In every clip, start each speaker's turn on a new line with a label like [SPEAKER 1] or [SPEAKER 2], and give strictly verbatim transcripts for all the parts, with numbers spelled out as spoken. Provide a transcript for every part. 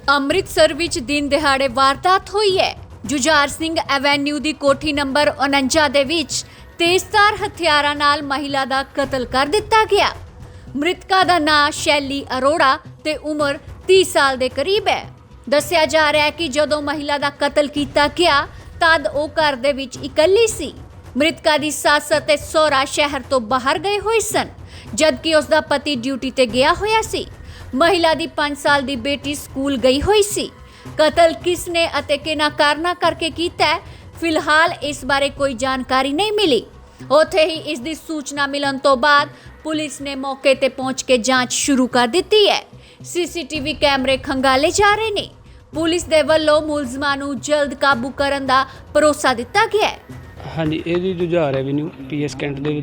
[SPEAKER 1] ਅੰਮ੍ਰਿਤਸਰ ਵਿੱਚ ਦਿਨ ਦਿਹਾੜੇ ਵਾਰਦਾਤ ਹੋਈ ਹੈ। ਜੁਝਾਰ ਸਿੰਘ ਐਵੇਨਿਊ ਦੀ ਕੋਠੀ ਨੰਬਰ ਉਨੰਜਾ ਦੇ ਵਿੱਚ ਤੇਜ਼ਧਾਰ ਹਥਿਆਰਾਂ ਨਾਲ ਮਹਿਲਾ ਦਾ ਕਤਲ ਕਰ ਦਿੱਤਾ ਗਿਆ। ਮ੍ਰਿਤਕਾ ਦਾ ਨਾਂ ਸ਼ੈਲੀ ਅਰੋੜਾ ਤੇ ਉਮਰ तीस ਸਾਲ ਦੇ ਕਰੀਬ ਹੈ। ਦੱਸਿਆ ਜਾ ਰਿਹਾ ਹੈ ਕਿ ਜਦੋਂ ਮਹਿਲਾ ਦਾ ਕਤਲ ਕੀਤਾ ਗਿਆ ਤਦ ਉਹ ਘਰ ਦੇ ਵਿੱਚ ਇਕੱਲੀ ਸੀ। ਮ੍ਰਿਤਕਾ ਦੀ ਸੱਸ ਅਤੇ ਸਹੁਰਾ ਸ਼ਹਿਰ ਤੋਂ ਬਾਹਰ ਗਏ ਹੋਏ ਸਨ, ਜਦਕਿ ਉਸ ਦਾ ਪਤੀ ਡਿਊਟੀ ਤੇ ਗਿਆ ਹੋਇਆ ਸੀ। ਮਹਿਲਾ ਦੀ पाँच ਸਾਲ ਦੀ ਬੇਟੀ ਸਕੂਲ ਗਈ ਹੋਈ ਸੀ। ਕਤਲ ਕਿਸ ਨੇ ਅਤੇ ਕਿਹਨਾਂ ਕਾਰਨਾਂ ਕਰਕੇ ਕੀਤਾ ਹੈ, ਫਿਲਹਾਲ ਇਸ ਬਾਰੇ ਕੋਈ ਜਾਣਕਾਰੀ ਨਹੀਂ ਮਿਲੀ। ਉੱਥੇ ਹੀ ਇਸ ਦੀ ਸੂਚਨਾ ਮਿਲਣ ਤੋਂ ਬਾਅਦ ਪੁਲਿਸ ਨੇ ਮੌਕੇ ਤੇ ਪਹੁੰਚ ਕੇ ਜਾਂਚ ਸ਼ੁਰੂ ਕਰ ਦਿੱਤੀ ਹੈ। ਸੀਸੀਟੀਵੀ ਕੈਮਰੇ ਖੰਗਾਲੇ ਜਾ ਰਹੇ ਨੇ। ਪੁਲਿਸ ਦੇ ਵੱਲੋਂ ਮੁਲਜ਼ਮਾਂ ਨੂੰ ਜਲਦ ਕਾਬੂ ਕਰਨ ਦਾ ਭਰੋਸਾ ਦਿੱਤਾ ਗਿਆ ਹੈ।
[SPEAKER 2] ਹਾਂਜੀ, ਇਹ ਜੀ Jujhar avenue P S Cantt ਦੇ ਵਿੱਚ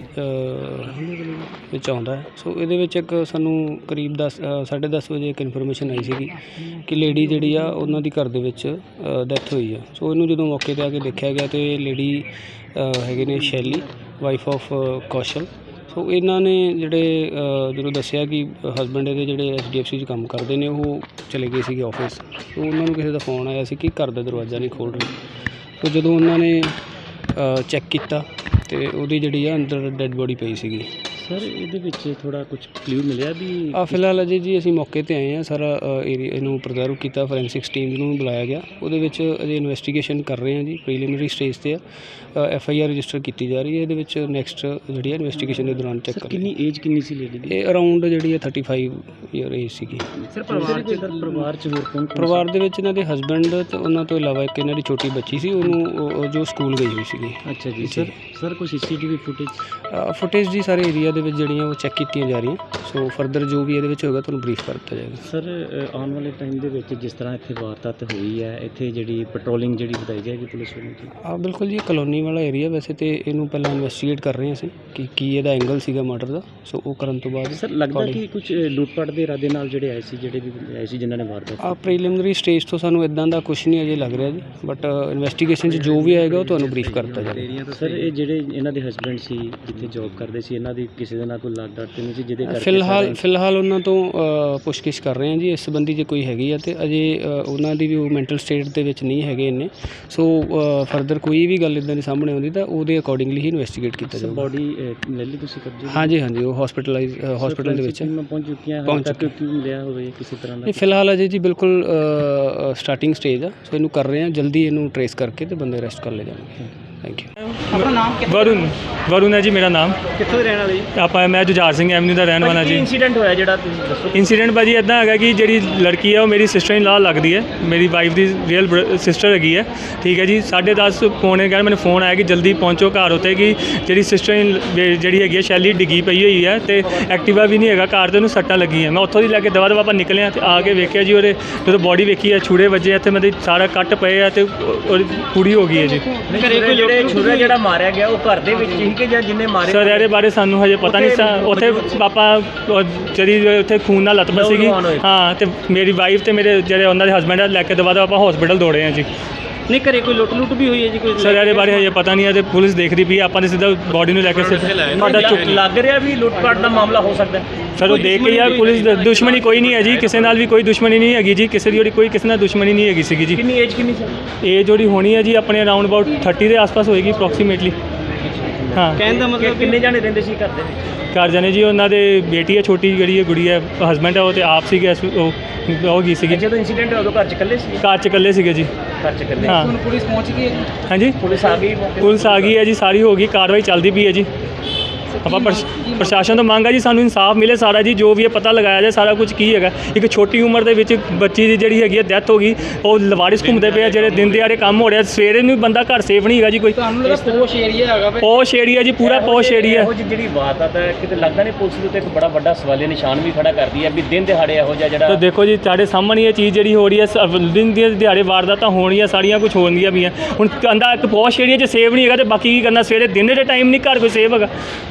[SPEAKER 2] ਵਿੱਚ ਆਉਂਦਾ ਹੈ। ਸੋ ਇਹਦੇ ਵਿੱਚ ਇੱਕ ਸਾਨੂੰ ਕਰੀਬ ਦਸ ਸਾਢੇ ਦਸ ਵਜੇ ਇੱਕ ਇਨਫੋਰਮੇਸ਼ਨ ਆਈ ਸੀਗੀ ਕਿ ਲੇਡੀ ਜਿਹੜੀ ਆ ਉਹਨਾਂ ਦੀ ਘਰ ਦੇ ਵਿੱਚ ਡੈਥ ਹੋਈ ਆ। ਸੋ ਇਹਨੂੰ ਜਦੋਂ ਮੌਕੇ 'ਤੇ ਆ ਕੇ ਦੇਖਿਆ ਗਿਆ ਤਾਂ ਲੇਡੀ ਹੈਗੇ ਨੇ ਸ਼ੈਲੀ, ਵਾਈਫ ਆਫ ਕੌਸ਼ਲ। ਸੋ ਇਹਨਾਂ ਨੇ ਜਿਹੜੇ ਜਦੋਂ ਦੱਸਿਆ ਕਿ ਹਸਬੈਂਡ ਇਹਦੇ ਜਿਹੜੇ ਐਚ ਡੀ ਐਫ ਸੀ 'ਚ ਕੰਮ ਕਰਦੇ ਨੇ, ਉਹ ਚਲੇ ਗਏ ਸੀਗੇ ਆਫਿਸ। ਸੋ ਉਹਨਾਂ ਨੂੰ ਕਿਸੇ ਦਾ ਫੋਨ ਆਇਆ ਸੀ ਕਿ ਘਰ ਦਾ ਦਰਵਾਜ਼ਾ ਨਹੀਂ ਖੋਲ੍ਹ ਰਹੇ। ਸੋ ਜਦੋਂ ਉਹਨਾਂ ਨੇ ਚੈੱਕ ਕੀਤਾ ਤੇ ਉਹਦੀ ਜਿਹੜੀ ਆ ਅੰਦਰ ਡੈੱਡ ਬੋਡੀ ਪਈ ਸੀਗੀ।
[SPEAKER 3] ਸਰ ਇਹਦੇ ਵਿੱਚ ਥੋੜ੍ਹਾ ਕੁਝ ਕਲਿਊ ਮਿਲਿਆ ਵੀ?
[SPEAKER 2] ਆ ਫਿਲਹਾਲ ਅਜੇ ਜੀ ਅਸੀਂ ਮੌਕੇ 'ਤੇ ਆਏ ਹਾਂ, ਸਾਰਾ ਏਰੀਆ ਇਹਨੂੰ ਪ੍ਰਜ਼ਰਵ ਕੀਤਾ, ਫੋਰੈਂਸਿਕਸ ਟੀਮ ਨੂੰ ਬੁਲਾਇਆ ਗਿਆ। ਉਹਦੇ ਵਿੱਚ ਅਜੇ ਇਨਵੈਸਟੀਗੇਸ਼ਨ ਕਰ ਰਹੇ ਹਾਂ ਜੀ, ਪ੍ਰੀਲਿਮਿਨਰੀ ਸਟੇਜ 'ਤੇ ਆ। ਐਫ ਆਈ ਆਰ ਰਜਿਸਟਰ ਕੀਤੀ ਜਾ ਰਹੀ ਹੈ। ਇਹਦੇ ਵਿੱਚ ਨੈਕਸਟ ਜਿਹੜੀ ਹੈ ਇਨਵੈਸਟੀਗੇਸ਼ਨ ਦੇ ਦੌਰਾਨ ਚੈੱਕ ਕਰ।
[SPEAKER 3] ਕਿੰਨੀ ਏਜ ਕਿੰਨੀ ਸੀ ਲੇਡੀ ਦੀ?
[SPEAKER 2] ਇਹ ਅਰਾਊਂਡ ਜਿਹੜੀ ਹੈ ਥਰਟੀ ਫਾਈਵ ਈਅਰ ਏਜ ਸੀਗੀ।
[SPEAKER 3] ਸਰ ਪਰਿਵਾਰ 'ਚ ਸਰ ਪਰਿਵਾਰ 'ਚ ਹੋਰ ਕੌਣ?
[SPEAKER 2] ਪਰਿਵਾਰ ਦੇ ਵਿੱਚ ਇਹਨਾਂ ਦੇ ਹਸਬੈਂਡ ਤੇ ਉਹਨਾਂ ਤੋਂ ਇਲਾਵਾ ਇੱਕ ਇਹਨਾਂ ਦੀ ਛੋਟੀ ਬੱਚੀ ਸੀ, ਉਹਨੂੰ ਜੋ ਸਕੂਲ ਗਈ ਹੋਈ ਸੀਗੀ।
[SPEAKER 3] ਅੱਛਾ ਜੀ। ਸਰ ਸਰ ਕੋਈ C C T V footage?
[SPEAKER 2] Footage ਜੀ ਸਾਰੇ ਏਰੀਆ ਦੇ ਵਿੱਚ ਜਿਹੜੀਆਂ ਉਹ ਚੈੱਕ ਕੀਤੀਆਂ ਜਾ ਰਹੀਆਂ। ਸੋ ਫਰਦਰ ਜੋ ਵੀ ਇਹਦੇ ਵਿੱਚ ਹੋਏਗਾ ਤੁਹਾਨੂੰ ਬਰੀਫ ਕਰ ਦਿੱਤਾ ਜਾਏਗਾ।
[SPEAKER 3] ਸਰ ਆਉਣ ਵਾਲੇ ਟਾਈਮ ਦੇ ਵਿੱਚ ਜਿਸ ਤਰ੍ਹਾਂ ਇੱਥੇ ਵਾਰਦਾਤ ਹੋਈ ਹੈ, ਇੱਥੇ ਜਿਹੜੀ ਪੈਟਰੋਲਿੰਗ ਜਿਹੜੀ ਵਧਾਈ ਜਾਏਗੀ ਪੁਲਿਸ ਵੱਲੋਂ?
[SPEAKER 2] ਹਾਂ ਬਿਲਕੁਲ ਜੀ, ਕਲੋਨੀ ਵਾਲਾ ਏਰੀਆ ਵੈਸੇ ਤੇ ਇਹਨੂੰ ਪਹਿਲਾਂ ਇਨਵੈਸਟੀਗੇਟ ਕਰ ਰਹੇ ਅਸੀਂ ਕਿ ਕੀ ਇਹਦਾ ਐਂਗਲ ਸੀਗਾ ਮਰਡਰ ਦਾ। ਸੋ ਉਹ ਕਰਨ ਤੋਂ ਬਾਅਦ
[SPEAKER 3] ਸਰ ਲੱਗਦਾ ਕਿ ਕੁਝ ਲੁੱਟਪਾਟ ਦੇ ਇਰਾਦੇ ਨਾਲ ਜਿਹੜੇ ਆਏ ਸੀ, ਜਿਹੜੇ ਵੀ ਆਏ ਸੀ ਜਿਨ੍ਹਾਂ ਨੇ ਵਾਰਦਾਤ?
[SPEAKER 2] ਆ ਪ੍ਰੀਲਿਮਿਨਰੀ ਸਟੇਜ ਤੋਂ ਸਾਨੂੰ ਇਦਾਂ ਦਾ ਕੁਝ ਨਹੀਂ ਅਜੇ ਲੱਗ ਰਿਹਾ ਜੀ, ਬਟ ਇਨਵੈਸਟੀਗੇਸ਼ਨ 'ਚ ਜੋ ਵੀ ਆਏਗਾ ਉਹ ਤੁਹਾਨੂੰ ਬਰੀਫ ਕਰ ਦਿੱਤਾ ਜਾਏਗਾ।
[SPEAKER 3] ਸਰ ਇਹ ਜਿਹੜੇ ਇਹਨਾਂ ਦੇ ਹਸਬੈਂਡ ਸੀ, ਜਿੱਥੇ ਜੋਬ ਕਰਦੇ ਸੀ, ਇਹਨਾਂ ਦੀ ਕਿਸੇ ਦੇ ਨਾਲ ਕੋਈ ਲੱਗ ਡਾਟ ਨਹੀਂ ਸੀ ਜਿਹਦੇ ਕਰਕੇ?
[SPEAKER 2] ਫਿਲਹਾਲ ਫਿਲਹਾਲ ਉਹਨਾਂ ਤੋਂ ਪੁੱਛਗਿੱਛ ਕਰ ਰਹੇ ਹਾਂ ਜੀ ਇਸ ਸੰਬੰਧੀ। ਜੇ ਕੋਈ ਹੈਗੀ ਆ ਤੇ ਅਜੇ ਉਹਨਾਂ ਦੀ ਵੀ ਉਹ ਮੈਂਟਲ ਸਟੇਟ ਦੇ ਵਿੱਚ ਨਹੀਂ ਹੈਗੇ ਇੰਨੇ। ਸੋ ਫਰਦਰ ਕੋਈ ਵੀ ਗੱਲ ਇੱਦਾਂ ਦੀ ਸਾਹਮਣੇ ਆਉਂਦੀ ਤਾਂ ਉਹਦੇ ਅਕੋਰਡਿੰਗਲੀ ਹੀ ਇਨਵੈਸਟੀਗੇਟ ਕੀਤਾ ਜਾਊਗਾ।
[SPEAKER 3] ਬੋਡੀ ਲੈ ਲਈ ਤੁਸੀਂ ਕਬਜ਼ੇ?
[SPEAKER 2] ਹਾਂਜੀ ਹਾਂਜੀ, ਉਹ ਹਸਪੀਟਲਾਈਜ਼ ਹਸਪੀਟਲ ਦੇ ਵਿੱਚ
[SPEAKER 3] ਪਹੁੰਚ ਚੁੱਕੀਆਂ?
[SPEAKER 2] ਪਹੁੰਚ ਚੁੱਕੀ।
[SPEAKER 3] ਕੀ ਮਿਲਿਆ ਹੋਵੇ ਕਿਸੇ ਤਰ੍ਹਾਂ ਦਾ?
[SPEAKER 2] ਇਹ ਫਿਲਹਾਲ ਅਜੇ ਜੀ ਬਿਲਕੁਲ ਸਟਾਰਟਿੰਗ ਸਟੇਜ ਆ। ਸੋ ਇਹਨੂੰ ਕਰ ਰਹੇ ਹਾਂ, ਜਲਦੀ ਇਹਨੂੰ ਟਰੇਸ ਕਰਕੇ ਤੇ ਬੰਦੇ ਅਰੈਸਟ ਕਰ ਲਏ ਜਾਣਗੇ। Thank you.
[SPEAKER 3] ਆਪਣਾ ਨਾਮ?
[SPEAKER 4] ਵਰੁਣ ਵਰੁਣ ਹੈ ਜੀ ਮੇਰਾ ਨਾਮ।
[SPEAKER 3] ਕਿੱਥੋਂ ਦੇ ਰਹਿਣ ਵਾਲੇ ਜੀ?
[SPEAKER 4] ਆਪਾਂ ਮੈਂ ਜੁਝਾਰ ਸਿੰਘ ਐਵਨਿਊ ਦਾ ਰਹਿਣ ਵਾਲਾ ਜੀ।
[SPEAKER 3] ਕੀ ਇੰਸੀਡੈਂਟ ਹੋਇਆ ਜਿਹੜਾ ਤੁਸੀਂ ਦੱਸੋ?
[SPEAKER 4] ਇੰਸੀਡੈਂਟ ਭਾਜੀ ਇੱਦਾਂ ਹੈਗਾ ਕਿ ਜਿਹੜੀ ਲੜਕੀ ਹੈ ਉਹ ਮੇਰੀ ਸਿਸਟਰ ਇਨ ਲਾ ਲੱਗਦੀ ਹੈ, ਮੇਰੀ ਵਾਈਫ ਦੀ ਰੀਅਲ ਸਿਸਟਰ ਹੈਗੀ ਹੈ। ਠੀਕ ਹੈ ਜੀ, ਸਾਢੇ ਦਸ ਪੌਣੇ ਘਰ ਮੈਨੂੰ ਫੋਨ ਆਇਆ ਕਿ ਜਲਦੀ ਪਹੁੰਚੋ ਘਰ ਉੱਤੇ, ਕਿ ਜਿਹੜੀ ਸਿਸਟਰ ਇਨ ਜਿਹੜੀ ਹੈਗੀ ਹੈ ਸ਼ੈਲੀ ਡਿੱਗੀ ਪਈ ਹੋਈ ਹੈ ਤੇ ਐਕਟਿਵਾ ਵੀ ਨਹੀਂ ਹੈਗਾ ਘਰ, ਤੇ ਉਹਨੂੰ ਸੱਟਾਂ ਲੱਗੀਆਂ। ਮੈਂ ਉੱਥੋਂ ਦੀ ਲੈ ਕੇ ਦਵਾ ਦਵਾ ਆਪਾਂ ਨਿਕਲੇ ਹਾਂ ਤੇ ਆ ਕੇ ਵੇਖਿਆ ਜੀ ਉਹਦੇ ਜਦੋਂ ਬੋਡੀ ਵੇਖੀ ਹੈ, ਛੁਰੇ ਵੱਜੇ ਇੱਥੇ ਮਤਲਬ ਸਾਰਾ ਕੱਟ ਪਏ ਆ ਤੇ ਉਹਦੀ ਪੂਰੀ ਹੋ ਗਈ ਹੈ ਜੀ।
[SPEAKER 3] ਘਰੇ ਕੋਈ ਜਿਹੜੇ ਛੁਰਾ ਜਿਹੜਾ ਮਾਰਿਆ ਗਿਆ ਉਹ ਘਰ ਦੇ ਵਿੱਚ ਹੀ ਕਿ ਜਾਂ ਜਿੰਨੇ ਮਾਰੇ?
[SPEAKER 4] ਸਰ ਇਹਦੇ ਬਾਰੇ ਸਾਨੂੰ ਹਜੇ ਪਤਾ ਨਹੀਂ ਸਾ। ਉੱਥੇ ਪਾਪਾ ਜਿਹੜੀ ਉੱਥੇ ਖੂਨ ਨਾਲ ਲੱਤਪੱਤ ਸੀਗੀ। ਹਾਂ, ਤੇ ਮੇਰੀ ਵਾਈਫ ਤੇ ਮੇਰੇ ਜਿਹੜੇ ਉਹਨਾਂ ਦੇ ਹਸਬੈਂਡ ਲੈ ਕੇ ਦਵਾ ਦਵਾ ਆਪਾਂ ਹਸਪੀਟਲ ਦੌੜੇ ਹਾਂ ਜੀ।
[SPEAKER 3] ਨਹੀਂ ਘਰੇ ਕੋਈ ਲੁੱਟ ਲੁੱਟ ਵੀ ਹੋਈ ਹੈ ਜੀ ਕੋਈ?
[SPEAKER 4] ਸਰ ਇਹਦੇ ਬਾਰੇ ਹਜੇ ਪਤਾ ਨਹੀਂ ਹੈ ਤੇ ਪੁਲਿਸ ਦੇਖਦੀ ਪਈ। ਆਪਾਂ ਨੇ ਸਿੱਧਾ ਬੋਡੀ ਨੂੰ ਲੈ ਕੇ ਸਾਡਾ ਚੁੱਕ
[SPEAKER 3] ਲੱਗ ਰਿਹਾ ਵੀ ਲੁੱਟਪਾਟ ਦਾ ਮਾਮਲਾ ਹੋ ਸਕਦਾ।
[SPEAKER 4] ਸਰ ਉਹ ਦੇਖ ਕੇ ਯਾਰ ਪੁਲਿਸ ਦੁਸ਼ਮਣੀ ਕੋਈ ਨਹੀਂ ਹੈ ਜੀ, ਕਿਸੇ ਨਾਲ ਵੀ ਕੋਈ ਦੁਸ਼ਮਣੀ ਨਹੀਂ ਹੈਗੀ ਜੀ, ਕਿਸੇ ਦੀ ਜਿਹੜੀ ਕੋਈ ਕਿਸੇ ਨਾਲ ਦੁਸ਼ਮਣੀ ਨਹੀਂ ਹੈਗੀ ਸੀਗੀ ਜੀ।
[SPEAKER 3] ਕਿੰਨੀ ਏਜ ਕਿੰਨੀ ਸੀ?
[SPEAKER 4] ਏਜ ਜਿਹੜੀ ਹੋਣੀ ਹੈ ਜੀ ਆਪਣੇ ਅਰਾਊਂਡ ਅਬਾਊਟ ਥਰਟੀ ਦੇ ਆਸ-ਪਾਸ ਹੋਏਗੀ ਅਪਰੋਕਸੀਮੇਟਲੀ। ਹਾਂ,
[SPEAKER 3] ਕਹਿਣ ਦਾ ਮਤਲਬ ਕਿੰਨੇ ਜਾਣੇ ਰਹਿੰਦੇ ਸੀ ਘਰ ਦੇ ਵਿੱਚ?
[SPEAKER 4] ਘਰ ਜਾਣੇ ਜੀ ਉਹਨਾਂ ਦੇ ਬੇਟੀ ਹੈ ਛੋਟੀ, ਜਿਹੜੀ ਹੈ ਗੁੜੀ ਹੈ, ਹਸਬੈਂਡ ਹੈ ਉਹ ਤੇ ਆਪ ਸੀਗੇ। ਉਹ ਉਹ ਗਈ ਸੀਗੀ
[SPEAKER 3] ਜਦੋਂ ਇੰਸੀਡੈਂਟ ਹੋਇਆ ਉਦੋਂ ਘਰ ਚ ਇਕੱਲੇ ਸੀ?
[SPEAKER 4] ਘਰ 'ਚ ਇਕੱਲੇ ਸੀਗੇ ਜੀ।
[SPEAKER 3] ਘਰ ਚ ਇਕੱਲੇ।
[SPEAKER 4] ਹਾਂ।
[SPEAKER 3] ਹੁਣ ਪੁਲਿਸ ਪਹੁੰਚ ਗਈ ਹੈ?
[SPEAKER 4] ਹਾਂਜੀ,
[SPEAKER 3] ਪੁਲਿਸ ਆ ਗਈ?
[SPEAKER 4] ਪੁਲਿਸ ਆ ਗਈ ਹੈ ਜੀ, ਸਾਰੀ ਹੋ ਗਈ, ਕਾਰਵਾਈ ਚੱਲਦੀ ਪਈ ਹੈ ਜੀ। ਆਪਾਂ ਪ੍ਰਸ਼ਾਸਨ ਤੋਂ ਮੰਗ ਹੈ ਜੀ ਸਾਨੂੰ ਇਨਸਾਫ ਮਿਲੇ ਸਾਰਾ ਜੀ, ਜੋ ਵੀ ਇਹ ਪਤਾ ਲਗਾਇਆ ਜਾਏ ਸਾਰਾ ਕੁਝ ਕੀ ਹੈਗਾ। ਇੱਕ ਛੋਟੀ ਉਮਰ ਦੇ ਵਿੱਚ ਬੱਚੀ ਦੀ ਜਿਹੜੀ ਹੈਗੀ ਹੈ ਡੈਥ ਹੋ ਗਈ, ਉਹ ਲਵਾਰਿਸ ਘੁੰਮਦੇ ਪਏ ਆ, ਜਿਹੜੇ ਦਿਨ ਦਿਹਾੜੇ ਕੰਮ ਹੋ ਰਿਹਾ, ਸਵੇਰੇ ਨੂੰ ਬੰਦਾ ਘਰ ਸੇਫ ਨਹੀਂ ਹੈਗਾ ਜੀ ਕੋਈ।
[SPEAKER 3] ਤੁਹਾਨੂੰ ਲੱਗਦਾ ਪੋਸ਼ ਏਰੀਆ ਹੈਗਾ?
[SPEAKER 4] ਪੋਸ਼ ਏਰੀਆ ਜੀ, ਪੂਰਾ ਪੋਸ਼ ਏਰੀਆ।
[SPEAKER 3] ਇਹੋ ਜਿਹੀ ਜਿਹੜੀ ਵਾਰਦਾਤ ਹੈ ਕਿਤੇ ਲੱਗਦਾ ਨਹੀਂ ਪੁਲਿਸ ਦੇ ਉੱਤੇ ਇੱਕ ਬੜਾ ਵੱਡਾ ਸਵਾਲੀਆ ਨਿਸ਼ਾਨ ਵੀ ਖੜਾ ਕਰਦੀ ਹੈ ਵੀ ਦਿਨ ਦਿਹਾੜੇ ਇਹੋ ਜਿਹਾ ਜਿਹੜਾ?
[SPEAKER 4] ਤਾਂ ਦੇਖੋ ਜੀ ਤੁਹਾਡੇ ਸਾਹਮਣੇ ਇਹ ਚੀਜ਼ ਜਿਹੜੀ ਹੋ ਰਹੀ ਹੈ, ਦਿਨ ਦੀ ਦਿਹਾੜੇ ਵਾਰਦਾਤਾਂ ਹੋਣੀਆਂ ਸਾਰੀਆਂ ਕੁਝ ਹੋਣਗੀਆਂ ਵੀ ਆ। ਹੁਣ ਕਹਿੰਦਾ ਇੱਕ ਪੋਸ਼ ਏਰੀਆ 'ਚ ਸੇਫ ਨਹੀਂ ਹੈਗਾ ਤੇ ਬਾਕੀ ਕੀ ਕਰਨਾ, ਸਵੇਰੇ ਦਿਨ ਦੇ ਟਾਈਮ ਨਹੀਂ ਘਰ ਕੋਈ ਸੇਫ ਹੈਗਾ।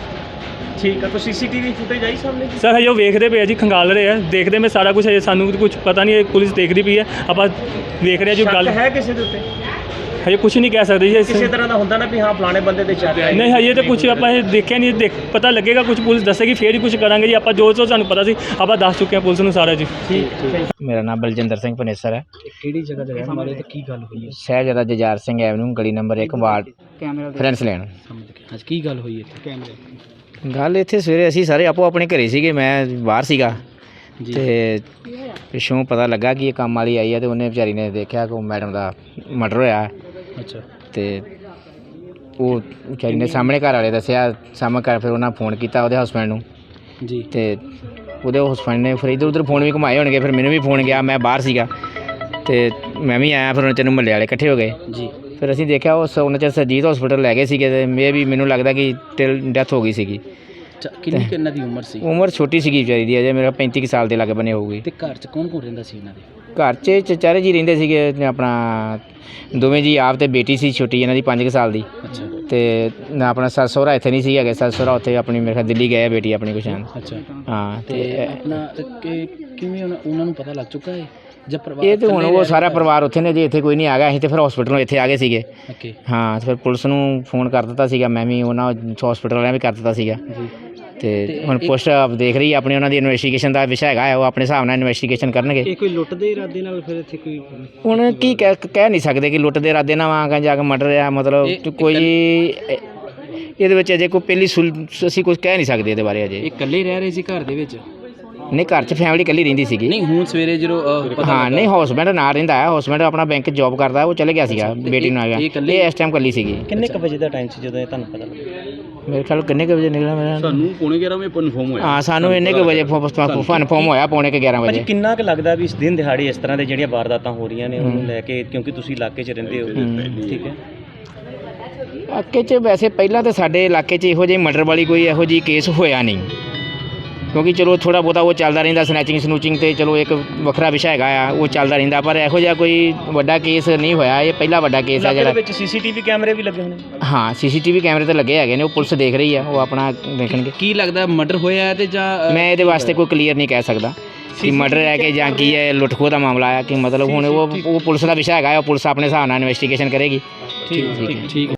[SPEAKER 3] ਠੀਕ ਹੈ, ਤਾਂ ਸੀਸੀਟੀਵੀ ਫੁਟੇਜ ਆਈ ਸਾਹਮਣੇ?
[SPEAKER 4] ਸਰ ਹਜੇ ਉਹ ਵੇਖਦੇ ਪਏ ਆ ਜੀ, ਖੰਗਾਲ ਰਹੇ ਆ, ਦੇਖਦੇ ਮੈਂ ਸਾਰਾ ਕੁਝ। ਹਜੇ ਸਾਨੂੰ ਕੁਝ ਪਤਾ ਨਹੀਂ, ਪੁਲਿਸ ਦੇਖਦੀ ਪਈ ਹੈ, ਆਪਾਂ ਵੇਖ ਰਹੇ ਆ ਜੀ। ਗੱਲ
[SPEAKER 3] ਹੈ ਕਿਸੇ ਦੇ ਉੱਤੇ?
[SPEAKER 4] ਹਜੇ ਕੁਝ ਨਹੀਂ ਕਹਿ ਸਕਦੇ ਜੀ
[SPEAKER 3] ਕਿਸੇ ਤਰ੍ਹਾਂ ਦਾ ਹੁੰਦਾ ਨਾ ਵੀ ਹਾਂ ਫਲਾਣੇ ਬੰਦੇ ਦੇ ਸ਼ੱਕ ਹੈ।
[SPEAKER 4] ਨਹੀਂ ਹਜੇ ਤਾਂ ਕੁਝ ਆਪਾਂ ਇਹ ਦੇਖਿਆ ਨਹੀਂ, ਦੇਖ ਪਤਾ ਲੱਗੇਗਾ, ਕੁਝ ਪੁਲਿਸ ਦੱਸੇਗੀ ਫੇਰ ਹੀ ਕੁਝ ਕਰਾਂਗੇ ਜੀ। ਆਪਾਂ ਜੋ ਜੋ ਸਾਨੂੰ ਪਤਾ ਸੀ ਆਪਾਂ ਦੱਸ ਚੁੱਕੇ ਹਾਂ ਪੁਲਿਸ ਨੂੰ ਸਾਰਾ ਜੀ।
[SPEAKER 5] ਮੇਰਾ ਨਾਮ ਬਲਜਿੰਦਰ ਸਿੰਘ ਪਨੇਸਰ ਹੈ।
[SPEAKER 3] ਕਿਹੜੀ ਜਗ੍ਹਾ ਤੇ ਰਹਿਣ ਵਾਲੇ ਤੇ ਕੀ ਗੱਲ ਹੋਈ ਹੈ?
[SPEAKER 5] ਸ਼ਹਿਜ਼ਾਦਾ ਜੁਝਾਰ ਸਿੰਘ ਐਵਨਿਊ ਗਲੀ ਨੰਬਰ ਇੱਕ ਵਾਰਡ ਫਰੈਂਸ ਲੈਣ।
[SPEAKER 3] ਅੱਜ ਕੀ ਗੱਲ ਹੋਈ ਇੱਥੇ? ਕੈਮਰੇ
[SPEAKER 5] ਗੱਲ ਇੱਥੇ ਸਵੇਰੇ ਅਸੀਂ ਸਾਰੇ ਆਪੋ ਆਪਣੇ ਘਰੇ ਸੀਗੇ, ਮੈਂ ਬਾਹਰ ਸੀਗਾ ਤੇ ਪਿੱਛੋਂ ਪਤਾ ਲੱਗਾ ਕਿ ਇਹ ਕੰਮ ਵਾਲੀ ਆਈ ਹੈ ਤੇ ਉਹਨੇ ਵਿਚਾਰੀ ਨੇ ਦੇਖਿਆ ਕਿ ਮੈਡਮ ਦਾ ਮਰਡਰ ਹੋਇਆ।
[SPEAKER 3] ਅੱਛਾ।
[SPEAKER 5] ਤੇ ਉਹ ਵਿਚਾਰੀ ਨੇ ਸਾਹਮਣੇ ਘਰ ਵਾਲੇ ਦੱਸਿਆ, ਸਾਹਮਣੇ ਘਰ ਫਿਰ ਉਹਨਾਂ ਫੋਨ ਕੀਤਾ ਉਹਦੇ ਹਸਬੈਂਡ ਨੂੰ
[SPEAKER 3] ਜੀ
[SPEAKER 5] ਤੇ ਉਹਦੇ ਹਸਬੈਂਡ ਨੇ ਫਿਰ ਇੱਧਰ ਉੱਧਰ ਫੋਨ ਵੀ ਘੁਮਾਏ ਹੋਣਗੇ, ਫਿਰ ਮੈਨੂੰ ਵੀ ਫੋਨ ਗਿਆ, ਮੈਂ ਬਾਹਰ ਸੀਗਾ ਤੇ ਮੈਂ ਵੀ ਆਇਆ। ਫਿਰ ਉਹਨਾਂ ਚਿਰ ਮਹੱਲੇ ਵਾਲੇ ਇਕੱਠੇ ਹੋ ਗਏ ਜੀ। ਫਿਰ ਅਸੀਂ ਦੇਖਿਆ ਉਸ ਉਹਨਾਂ ਚਿਰ ਸਰਜੀਤ ਹਸਪੀਟਲ ਲੈ ਗਏ ਸੀਗੇ ਤੇ ਮੇ ਵੀ ਮੈਨੂੰ ਲੱਗਦਾ ਕਿ ਟਿਲ ਡੈਥ ਹੋ ਗਈ ਸੀਗੀ।
[SPEAKER 3] ਕਿੰਨੀ ਕਿੰਨਾ ਦੀ ਉਮਰ ਸੀ?
[SPEAKER 5] ਉਮਰ ਛੋਟੀ ਸੀਗੀ ਵਿਚਾਰੀ ਦੀ, ਅਜੇ ਮੇਰਾ ਪੈਂਤੀ ਕੁ ਸਾਲ ਦੇ ਲਾਗੇ ਬਣੇ ਹੋਊਗੀ।
[SPEAKER 3] ਤੇ ਘਰ 'ਚ ਕੌਣ ਕੌਣ ਰਹਿੰਦਾ ਸੀ ਇਹਨਾਂ ਦੇ?
[SPEAKER 5] ਘਰ 'ਚ ਚਚਾਰੇ ਜੀ ਰਹਿੰਦੇ ਸੀਗੇ, ਆਪਣਾ ਦੋਵੇਂ ਜੀ ਆਪ ਤੇ ਬੇਟੀ ਸੀ ਛੋਟੀ ਇਹਨਾਂ ਦੀ ਪੰਜ ਕੁ ਸਾਲ ਦੀ।
[SPEAKER 3] ਅੱਛਾ।
[SPEAKER 5] ਤੇ ਨਾ ਆਪਣਾ ਸੱਸ ਸਹੁਰਾ ਇੱਥੇ ਨਹੀਂ ਸੀ ਹੈਗੇ, ਸੱਸ ਸਹੁਰਾ ਉੱਥੇ ਆਪਣੀ ਮੇਰੇ ਖਿਆਲ ਦਿੱਲੀ ਗਏ ਆ ਬੇਟੀ ਆਪਣੀ ਕੁਛ।
[SPEAKER 3] ਅੱਛਾ।
[SPEAKER 5] ਹਾਂ
[SPEAKER 3] ਤੇ
[SPEAKER 5] ਤੇ
[SPEAKER 3] ਆਪਣਾ ਤੇ ਕਿ- ਕਿਵੇਂ ਉਹਨਾਂ ਉਹਨਾਂ ਨੂੰ ਪਤਾ ਲੱਗ ਚੁੱਕਾ ਹੈ ਜਾਂ ਪਰਿਵਾਰ?
[SPEAKER 5] ਇਹ ਤੇ ਹੁਣ ਉਹ ਸਾਰਾ ਪਰਿਵਾਰ ਉੱਥੇ ਨੇ ਜੀ, ਇੱਥੇ ਕੋਈ ਨਹੀਂ ਆ ਗਿਆ। ਅਸੀਂ ਤੇ ਫਿਰ ਹਸਪੀਟਲੋਂ ਇੱਥੇ ਆ ਗਏ ਸੀਗੇ।
[SPEAKER 3] ਓਕੇ।
[SPEAKER 5] ਹਾਂ ਫਿਰ ਪੁਲਿਸ ਨੂੰ ਫੋਨ ਕਰ ਦਿੱਤਾ ਸੀਗਾ, ਮੈਂ ਵੀ ਉਹਨਾਂ ਹਸਪੀਟਲ ਵਾਲਿਆਂ ਵੀ ਕਰ ਦਿੱਤਾ ਸੀਗਾ।
[SPEAKER 3] ਜੀ।
[SPEAKER 5] ਤੇ ਹੁਣ ਪੁਲਿਸ ਦੇਖ ਰਹੀ ਹੈ ਆਪਣੀ, ਉਹਨਾਂ ਦੀ ਇਨਵੈਸਟੀਗੇਸ਼ਨ ਦਾ ਵਿਸ਼ਾ ਹੈਗਾ, ਉਹ ਆਪਣੇ ਹਿਸਾਬ ਨਾਲ ਇਨਵੈਸਟੀਗੇਸ਼ਨ ਕਰਨਗੇ।
[SPEAKER 3] ਇਹ ਕੋਈ ਲੁੱਟ ਦੇ ਇਰਾਦੇ ਨਾਲ ਫਿਰ ਇੱਥੇ ਕੋਈ?
[SPEAKER 5] ਹੁਣ ਕੀ ਕਹਿ ਕਹਿ ਨਹੀਂ ਸਕਦੇ ਕਿ ਲੁੱਟ ਦੇ ਇਰਾਦੇ ਨਾਲ ਵਾਂ ਜਾ ਕੇ ਮਰਡਰ ਆ, ਮਤਲਬ ਕੋਈ ਇਹਦੇ ਵਿੱਚ ਅਜੇ ਕੋਈ ਪਹਿਲੀ ਸੁਲ ਅਸੀਂ ਕੁਝ ਕਹਿ ਨਹੀਂ ਸਕਦੇ ਇਹਦੇ ਬਾਰੇ ਅਜੇ।
[SPEAKER 3] ਇਹ ਇਕੱਲੇ ਰਹਿ ਰਹੇ ਸੀ ਘਰ ਦੇ ਵਿੱਚ?
[SPEAKER 5] ਨਹੀਂ ਘਰ 'ਚ ਫੈਮਿਲੀ ਇਕੱਲੀ ਰਹਿੰਦੀ ਸੀਗੀ।
[SPEAKER 3] ਨਹੀਂ ਹੁਣ ਸਵੇਰੇ ਜਦੋਂ ਅਹ, ਪਤਾ
[SPEAKER 5] ਹਾਂ ਨਹੀਂ ਹਸਬੈਂਡ ਨਾਲ ਰਹਿੰਦਾ ਹੈ, ਹਸਬੈਂਡ ਆਪਣਾ ਬੈਂਕ ਜੌਬ ਕਰਦਾ, ਉਹ ਚਲੇ ਗਿਆ ਸੀਗਾ ਬੇਟੀ ਨੂੰ ਆ ਗਿਆ। ਇਹ ਇਸ ਟਾਈਮ ਇਕੱਲੀ ਸੀਗੀ।
[SPEAKER 3] ਕਿੰਨੇ ਕੁ ਵਜੇ ਦਾ ਟਾਈਮ ਸੀ ਜਦੋਂ ਇਹ ਤੁਹਾਨੂੰ ਪਤਾ ਲੱਗਾ?
[SPEAKER 5] ਮੇਰੇ ਖਿਆਲ ਕਿੰਨੇ ਕੁ ਵਜੇ ਨਿਕਲਿਆ ਮੇਰਾ?
[SPEAKER 3] ਸਾਨੂੰ ਪੌਣੇ ਗਿਆਰਾਂ ਵਜੇ ਕਨਫਰਮ ਹੋਇਆ। ਹਾਂ
[SPEAKER 5] ਸਾਨੂੰ ਇੰਨੇ ਕੁ ਵਜੇ ਕਨਫਰਮ ਹੋਇਆ, ਪੌਣੇ ਕੁ ਗਿਆਰਾਂ ਵਜੇ।
[SPEAKER 3] ਕਿੰਨਾ ਕੁ ਲੱਗਦਾ ਵੀ ਇਸ ਦਿਨ ਦਿਹਾੜੇ ਇਸ ਤਰ੍ਹਾਂ ਦੇ ਜਿਹੜੀਆਂ ਵਾਰਦਾਤਾਂ ਹੋ ਰਹੀਆਂ ਨੇ ਉਹਨੂੰ ਲੈ ਕੇ, ਕਿਉਂਕਿ ਤੁਸੀਂ ਇਲਾਕੇ 'ਚ ਰਹਿੰਦੇ ਹੋ, ਠੀਕ ਹੈ?
[SPEAKER 5] ਇਲਾਕੇ 'ਚ ਵੈਸੇ ਪਹਿਲਾਂ ਤਾਂ ਸਾਡੇ ਇਲਾਕੇ 'ਚ ਇਹੋ ਜਿਹੀ ਮਰਡਰ ਵਾਲੀ ਕੋਈ ਇਹੋ ਜਿਹੀ ਕੇਸ ਹੋਇਆ ਨਹੀਂ, ਕਿਉਂਕਿ ਚਲੋ ਥੋੜ੍ਹਾ ਬਹੁਤਾ ਉਹ ਚੱਲਦਾ ਰਹਿੰਦਾ, ਸਨੈਚਿੰਗ ਸਨੂਚਿੰਗ ਤੇ ਚਲੋ ਇੱਕ ਵੱਖਰਾ ਵਿਸ਼ਾ ਹੈਗਾ ਆ, ਉਹ ਚੱਲਦਾ ਰਹਿੰਦਾ, ਪਰ ਇਹੋ ਜਿਹਾ ਕੋਈ ਵੱਡਾ ਕੇਸ ਨਹੀਂ ਹੋਇਆ। ਇਹ ਪਹਿਲਾ ਵੱਡਾ ਕੇਸ ਆ ਜਿਹੜਾ।
[SPEAKER 3] ਵਿੱਚ ਸੀਸੀਟੀਵੀ ਕੈਮਰੇ ਵੀ ਲੱਗੇ ਹੋਣੇ?
[SPEAKER 5] ਹਾਂ ਸੀਸੀਟੀਵੀ ਕੈਮਰੇ ਤਾਂ ਲੱਗੇ ਹੈਗੇ ਨੇ, ਉਹ ਪੁਲਿਸ ਦੇਖ ਰਹੀ ਆ, ਉਹ ਆਪਣਾ ਦੇਖਣਗੇ।
[SPEAKER 3] ਕੀ ਲੱਗਦਾ ਮਰਡਰ ਹੋਇਆ ਤੇ ਜਾਂ?
[SPEAKER 5] ਮੈਂ ਇਹਦੇ ਵਾਸਤੇ ਕੋਈ ਕਲੀਅਰ ਨਹੀਂ ਕਹਿ ਸਕਦਾ ਕਿ ਮਰਡਰ ਹੈ ਕਿ ਜਾਂ ਕੀ ਹੈ, ਲੁੱਟ ਖੋਹ ਦਾ ਮਾਮਲਾ ਆ ਕਿ ਮਤਲਬ ਹੁਣ ਉਹ ਉਹ ਪੁਲਿਸ ਦਾ ਵਿਸ਼ਾ ਹੈਗਾ, ਉਹ ਪੁਲਿਸ ਆਪਣੇ ਹਿਸਾਬ ਨਾਲ ਇਨਵੈਸਟੀਗੇਸ਼ਨ ਕਰੇਗੀ।
[SPEAKER 3] ਠੀਕ ਠੀਕ।